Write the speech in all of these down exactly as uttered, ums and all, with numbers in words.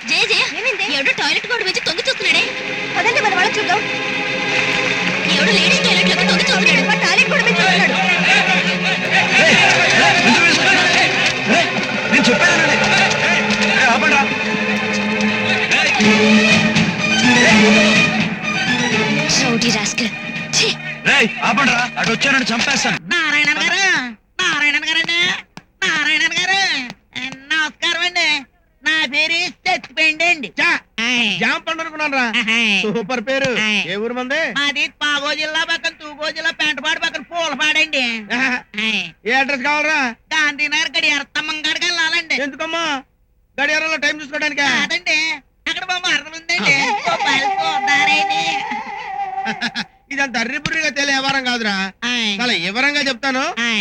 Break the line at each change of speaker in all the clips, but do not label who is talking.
జయ జయ ఎవడో టాయిలెట్ గోడ వచ్చి తొంగి చూస్తున్నాడే.
పదండి మన వాళ్ళ చూద్దాం.
ఎవడో లేడీస్ టాయిలెట్ లోకి తొంగి చూస్తున్నాడు.
టాయిలెట్ గోడ మీద చూస్తున్నాడు.
నేను చెప్పాను ఆపండ్రా, అటు వచ్చానని చంపేస్తాను.
నారాయణ గారు నారాయణ గారండి నారాయణ గారు నమస్కారం అండి. నా పేరు చచ్చిపోయింది అండి.
జామ పండు అనుకున్నాను రా. సూపర్ పేరు. ఏ ఊరు మంది?
మాది పాగో జిల్లా పక్కన తూగో జిల్లా పెంటపాడు పక్కన పూలపాడండి.
ఏ అడ్రస్ కావాలరా?
గాంధీనగర్ గడియార స్తంభం కాడికి వెళ్ళాలండి.
ఎందుకమ్మా? గడియారంలో టైం చూసుకోవడానికి?
కాదండి, అక్కడ మా మరదలు ఉందండి. చూద్దారని.
ఇదంత అర్రిపుర్రిగా తెలియ వ్యవహారం కాదురా. చాలా వివరంగా చెప్తాను.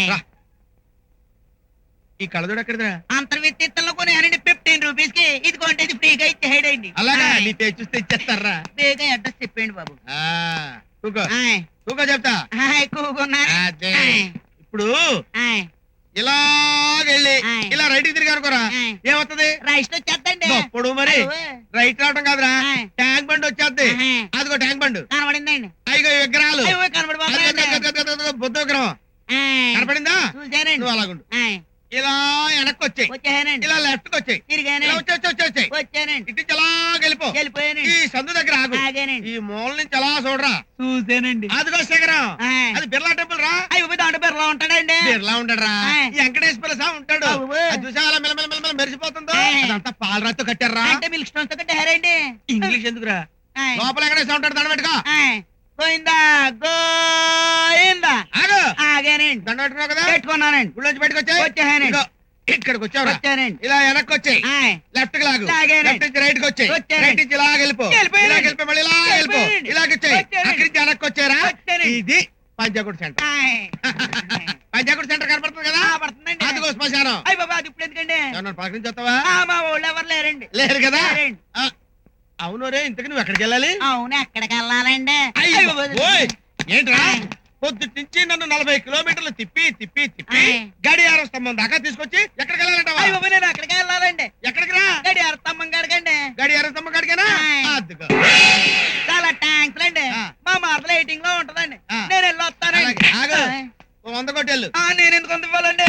ఈ కళ్ళజోడు ఎక్కడిదిరా?
అంతర్విత్తిత్తంలో కొనేయాలండి ఫిఫ్టీన్ రూపీస్ కి. ఇది కొంటే ఇది ఫ్రీగా ఇచ్చేయండి.
అలాగా నీ పేరు చూస్తే ఇచ్చేస్తారా?
ఫ్రీగా అడ్రస్ చెప్పండి బాబు.
కూకో కూకో చెప్తా.
కూకున్నా
ఇప్పుడు ఇలాగెళ్ళి ఇలా రైట్ కి తిరిగి అనుకోరా, ఏమవుతుంది?
రైట్ వచ్చేస్తండి.
అప్పుడు మరి రైట్ రావటం కాదురా, ట్యాంక్ బండ్ వచ్చేద్ది. అదిగో ట్యాంక్ బండ్
కనబడిందండి.
అయిగో విగ్రహాలు.
కనబడి
బుద్ధ విగ్రహం కనపడిందా?
చూసానండి.
నువ్వు అలాగుండు. ఇలా వెనక్కి వచ్చాయి,
వచ్చానండి.
ఇలా లెఫ్ట్ కి వచ్చాయి,
తిరిగానండి.
వచ్చి వచ్చి వచ్చాయి
వచ్చానండి.
ఇటు నుంచి అలా వెళ్ళిపో.
వెళ్ళిపోయానండి.
ఈ సందు దగ్గర ఆగు.
ఆగానండి.
ఈ మూల నుంచి అలా చూడరా.
చూసానండి.
అదిగో శేఖరం, అది బిర్లా టెంపుల్ రా.
అయ్యో దాంట్లో బిర్లా ఉంటాడండి.
బిర్లా ఉంటాడు రా. ఈ వెంకటేశ్వర స్వామి ఉంటాడు. అది చూసా అలా మెల్ల మెల్ల మెరిసిపోతుందో అదంతా పాలరాతో కట్టారా.
అంటే మిల్క్ స్టోన్స్ తో కట్టారండి.
ఇంగ్లీష్ ఎందుకురా? లోపల వెంకటేశ్వర ఉంటాడు, దండ పెట్టుకో.
గోయిందా గోయిందా.
ఆగు.
ఆగానండి.
దండ పెట్టుకున్నావు కదా,
పెట్టుకున్నానండి.
గుళ్ళోంచి బయటకు వచ్చాయి.
వచ్చానండి.
ఇక్కడికి వచ్చావు.
వచ్చానండి.
ఇలా వెనక్కి వచ్చాయి, లెఫ్ట్ కి లాగు. లెఫ్ట్ నుంచి రైట్ కి వచ్చాయి, రైట్ నుంచి ఇలా వెళ్ళిపో. ఇలా వెళ్ళిపో, మళ్ళీ ఇలా వెళ్ళిపో. ఇలాగ వచ్చాయి, అక్కడి నుంచి వెనక్కి వచ్చారా. ఇది పంచాకుడు సెంటర్. పంచాకుడు సెంటర్ కనపడుతుంది కదా,
పడుతుందండి.
అదిగో శ్మశానం.
అయ్యి బాబా అది ఇప్పుడు ఎందుకండి?
పలకరించి వస్తావా?
మా ఊళ్ళో ఎవరు లేరండి.
లేరు కదా. అవును రే, ఇంతకు నువ్వు ఎక్కడికి వెళ్ళాలి?
అవును, ఎక్కడికి వెళ్ళాలండి?
ఏంట్రా పొద్దుటి నుంచి నన్ను నలభై కిలోమీటర్లు తిప్పి తిప్పి తిప్పి గడియార స్తంభం దాకా తీసుకొచ్చి ఎక్కడికి వెళ్ళాలంటావా?
నేను అక్కడికి వెళ్ళాలండి.
ఎక్కడికి రా?
గడియార స్తంభం కాడికండి.
గడియార స్తంభం కాడికేనా? అద్దుకో.
చాలా థ్యాంక్స్ అండి. మా మార్పుల ఎయిటింగ్ లో ఉంటదండి. నేను వెళ్ళి వస్తానండి.
వంద కొట్టేళ్ళు.
నేను ఎందుకు వంద ఇవ్వాలండి?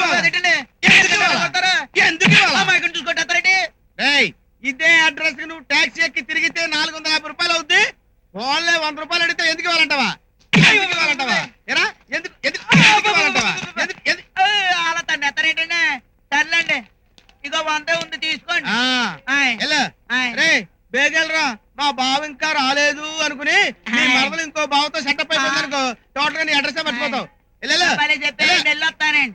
ఎందుకు చూసుకుంటారండి?
ఇదే అడ్రస్ కి నువ్వు టాక్సీ ఎక్కి తిరిగితే నాలుగు వందల యాభై రూపాయలు అవుద్ది. వాళ్ళే వంద రూపాయలు అడిగితే ఎందుకు ఇవ్వాలంటావా?
అలా తను ఎత్తారేంటండి? సర్లేండి, ఇగో వందే ఉంది తీసుకోండి.
బేగెళ్ళరా, మా బావ ఇంకా రాలేదు అనుకుని నీ మరదలు ఇంకో బావతో సెటప్ అయిపోయింది అనుకో, టోటల్ గా నీ అడ్రస్ మర్చిపోతావు.
చెప్పేసి వెళ్ళొస్తానండి.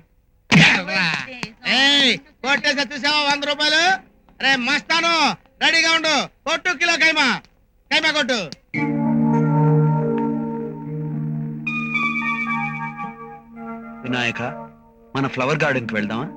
కొట్టేసి చూసావా వంద రూపాయలు? రే మస్తాను, రెడీగా ఉండు. కొట్టు కిలో కైమా, కైమా కొట్టు.
వినాయక, మన ఫ్లవర్ గార్డెన్ కి వెళ్దామా?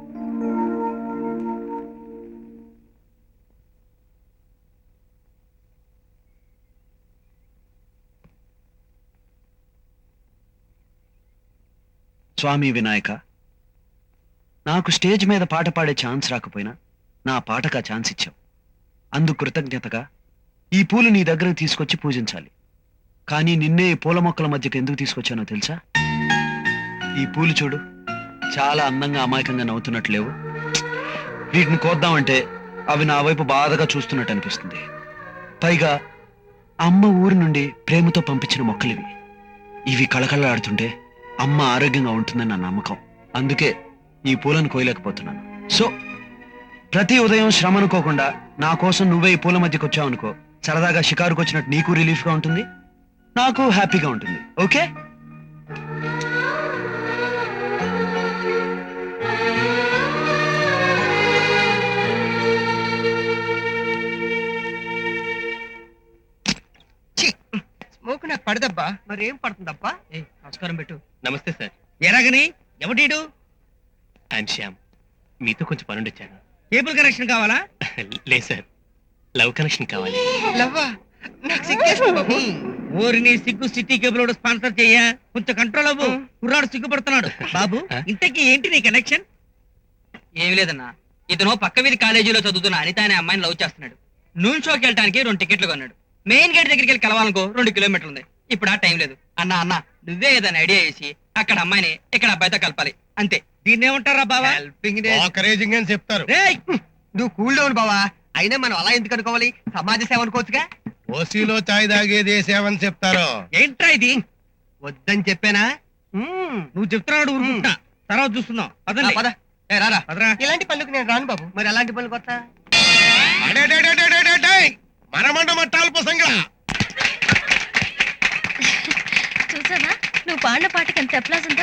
స్వామి వినాయక, నాకు స్టేజ్ మీద పాట పాడే ఛాన్స్ రాకపోయినా నా పాటకు ఆ ఛాన్స్ ఇచ్చావు. అందుకు కృతజ్ఞతగా ఈ పూలు నీ దగ్గరకు తీసుకొచ్చి పూజించాలి. కానీ నిన్నే ఈ పూల మొక్కల మధ్యకి ఎందుకు తీసుకొచ్చానో తెలుసా? ఈ పూలు చూడు, చాలా అందంగా అమాయకంగా నవ్వుతున్నట్లు లేవు. వీటిని కోద్దామంటే అవి నా వైపు బాధగా చూస్తున్నట్టు అనిపిస్తుంది. పైగా అమ్మ ఊరి నుండి ప్రేమతో పంపించిన మొక్కలివి. ఇవి కళకళలాడుతుంటే అమ్మ ఆరోగ్యంగా ఉంటుందని నా నమ్మకం. అందుకే ఈ పూలను కోయలేకపోతున్నాను. సో ప్రతి ఉదయం శ్రమ అనుకోకుండా నా కోసం నువ్వే ఈ పూల మధ్యకి వచ్చావనుకో, సరదాగా షికారుకు వచ్చినట్టు నీకు రిలీఫ్ గా ఉంటుంది, నాకు హ్యాపీగా ఉంటుంది. ఓకే?
స్మోక్ నాకు పడదబ్బా.
మరి ఏం పడుతుందబ్బా?
నమస్కారం పెట్టు.
నమస్తే సార్.
ఎలాగని? ఎవడీడు?
ఐఎమ్ శ్యామ్. మీతో కొంచెం పనుండి వచ్చాను.
కేబుల్ కనెక్షన్ కావాలా?
లేదు సార్, లవ్ కనెక్షన్ కావాలి.
లవ్వా? నాకు సిగ్గేస్తుంది బాబు. ఊరిని సిగ్గు సిటీ కేబుల్ స్పాన్సర్ చెయ్య. కొంచెం కంట్రోల్ అవ్వు, కుర్రాడు సిగ్గుపడుతున్నాడు. బాబు ఇంతకీ ఏంటి నీ కనెక్షన్?
ఏమి లేదన్నా, ఇతను పక్క వీధి కాలేజీలో చదువుతున్న అనిత అనే అమ్మాయిని లవ్ చేస్తున్నాడు. నూన్ షోకి వెళ్ళడానికి రెండు టికెట్లు కొన్నాడు. మెయిన్ గేట్ దగ్గరికి వెళ్ళి కలవాలనుకో రెండు కిలోమీటర్లు ఉంది. ఇప్పుడు ఆ టైం లేదు. అన్న అన్న నువ్వే ఏదైనా ఐడియా చేసి అక్కడ అమ్మాయిని ఇక్కడ అబ్బాయితో కలపాలి అంతే.
దీన్ని ఏమంటారా బావా?
బ్రోకరేజింగ్ అని చెప్తారు.
రేయ్, నువ్వు కూల్ డౌన్ బావా. అయినా మనం అలా ఎందుకు అనుకోవాలి? సమాజ సేవ అనుకోవచ్చుగా.
ఓసీలో చాయ్ తాగేది సేవని చెప్తారు.
ఏంట్రా ఇది? వద్దని చెప్పానా? నువ్వు చెప్తున్నాడు ఊరుకుంటా. తర్వాత చూస్తున్నాం. పదండి.
పద. ఏ రారా.
పదరా.
ఇలాంటి పనులకు నేను రాను బాబు.
మరి ఎలాంటి పనులు కొత్త?
మనమండ మట్టాలు పోసంగా
చూసావా నువ్వు పాడిన పాటకి ఎంత అప్లాజ్ ఉందో.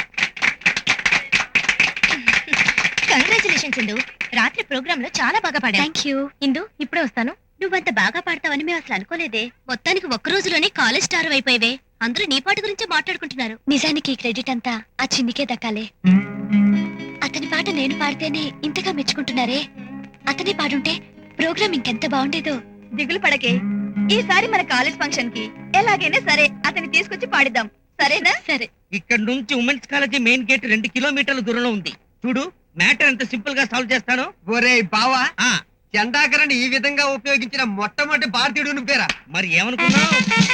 కంగ్రాచులేషన్స్ ఇందు, రాత్రి ప్రోగ్రామ్ లో చాలా బాగా పాడా. Thank you Indu. ఇప్పుడే వస్తాను. నువ్వంత బాగా పాడతావని మేము అసలు అనుకోలేదే.
మొత్తానికి ఒక్క రోజులోనే కాలేజ్ స్టార్ అయిపోయావే. అందరూ నీ పాట గురించే మాట్లాడుకుంటున్నారు.
నిజానికి క్రెడిట్ అంతా ఆ చిన్నికే దక్కాలే. అతని పాట నేను పాడితేనే ఇంతగా మెచ్చుకుంటున్నారే. అతనే పాడుంటే ప్రోగ్రామ్ ఇంకెంత బాగుండేదో. దిగులు పడకే, ఈసారి మన కాలేజ్ ఫంక్షన్ కి ఎలాగైనా సరే అతన్ని తీసుకొచ్చి పాడిద్దాం. సరేనా? సరే.
ఇక్కడ నుంచి ఉమెన్స్ కాలేజీ మెయిన్ గేట్ రెండు కిలోమీటర్ల దూరంలో ఉంది. చూడు, మ్యాటర్ ఎంత సింపుల్ గా సాల్వ్ చేస్తాను.
ఒరే బావా,
ఆ,
చండాకరని ఈ విధంగా ఉపయోగించిన మొట్టమొదటి భారతీయుడు నువ్వేరా.
మరి ఏమనుకున్నావు?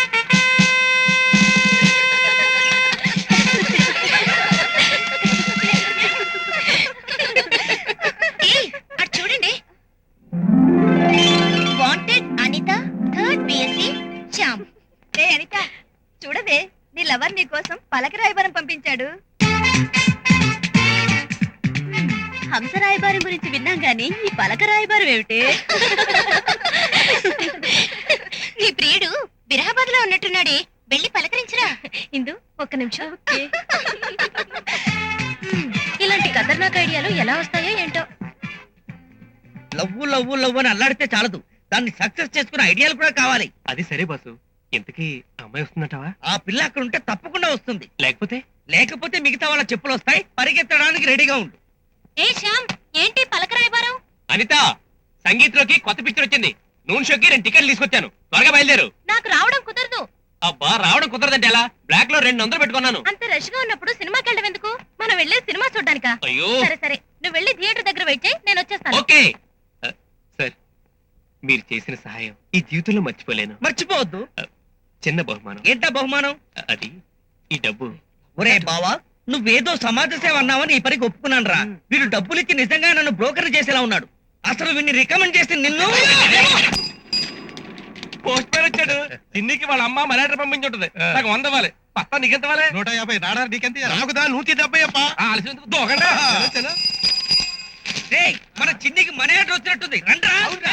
ఏయ్, అటు చూడండి. Wanted Anitha third BSc Shyam.
ఏ అనిత, చూడవే నీ లవర్ నీ కోసం పలక రాయబారం పంపించాడు. హంస రాయబారం గురించి విన్నాం గానీ ఈ పలక రాయబారం ఏమిటి?
నీ ప్రియుడు బిరహాబాద్ లో ఉన్నట్టున్నాడే, వెళ్ళి పలకరించరా.
ఇందు ఒక్క నిమిషం. ఇలాంటి ఖతర్నాక్ ఐడియాలు ఎలా వస్తాయో ఏంటో.
లవ్వు లవ్వు లవ్వు అని అల్లాడితే చాలదు, దాన్ని సక్సెస్ చేసుకునే ఐడియాలు కూడా కావాలి.
అది సరే బాసు, ఇంతకీ అమ్మాయి వస్తుందంటావా?
ఆ పిల్ల అక్కడ ఉంటే తప్పకుండా వస్తుంది.
లేకపోతే
లేకపోతే మిగతా వాళ్ళ చెప్పులు వస్తాయి. పరిగెత్తడానికి రెడీగా ఉండు.
ఏ శ్యామ్, ఏంటి పలక రాయబారం?
అనిత, సంగీత్లోకి కొత్త పిక్చర్ వచ్చింది. నూన్ షోకి రెండు టికెట్లు తీసుకొచ్చాను. త్వరగా బయలుదేరు.
నాకు రావడం కుదరదు.
అబ్బా, రావడం కుదరదంటే ఎలా? బ్లాక్ లో రెండు వందలు పెట్టుకున్నాను.
అంత రష్ గా ఉన్నప్పుడు సినిమాకి వెళ్ళడం ఎందుకు? మనం వెళ్ళే సినిమా చూడ్డానికా?
అయ్యో.
సరే సరే, నువ్వు వెళ్ళి థియేటర్ దగ్గర వెయిట్ చేయి, నేను వచ్చేస్తాను.
ఓకే ఆ, సార్, మీరు చేసిన సహాయం ఈ జీవితంలో మర్చిపోలేను.
మర్చిపోవద్దు.
చిన్న బహుమానం.
ఏంటా బహుమానం?
అది ఈ డబ్బు.
ఒరే బావా, నువ్వేదో సమాజ సేవ అన్నావని ఈ పనికి ఒప్పుకున్నాను రా. వీడు డబ్బులు ఇచ్చి నిజంగా నన్ను బ్రోకర్ చేసేలా ఉన్నాడు. అసలు వీడిని రికమెండ్ చేసి నిన్ను.
పోస్టర్ వచ్చాడు. చిన్నికి వాళ్ళ అమ్మ మరాఠీ పంపించి ఉంటుంది. నాకు వంద ఇవ్వాలి. పత్తా నీకెంత ఇవ్వాలి?
నూట యాభై రాడా నీకెంత? నాకుదా నూతి డెబ్బై అప్ప.
ఆలస్యం దూకండి.
రేయ్, మన చిన్నికి మనీ ఆర్డర్ వచ్చినట్టుంది. రండ్రా.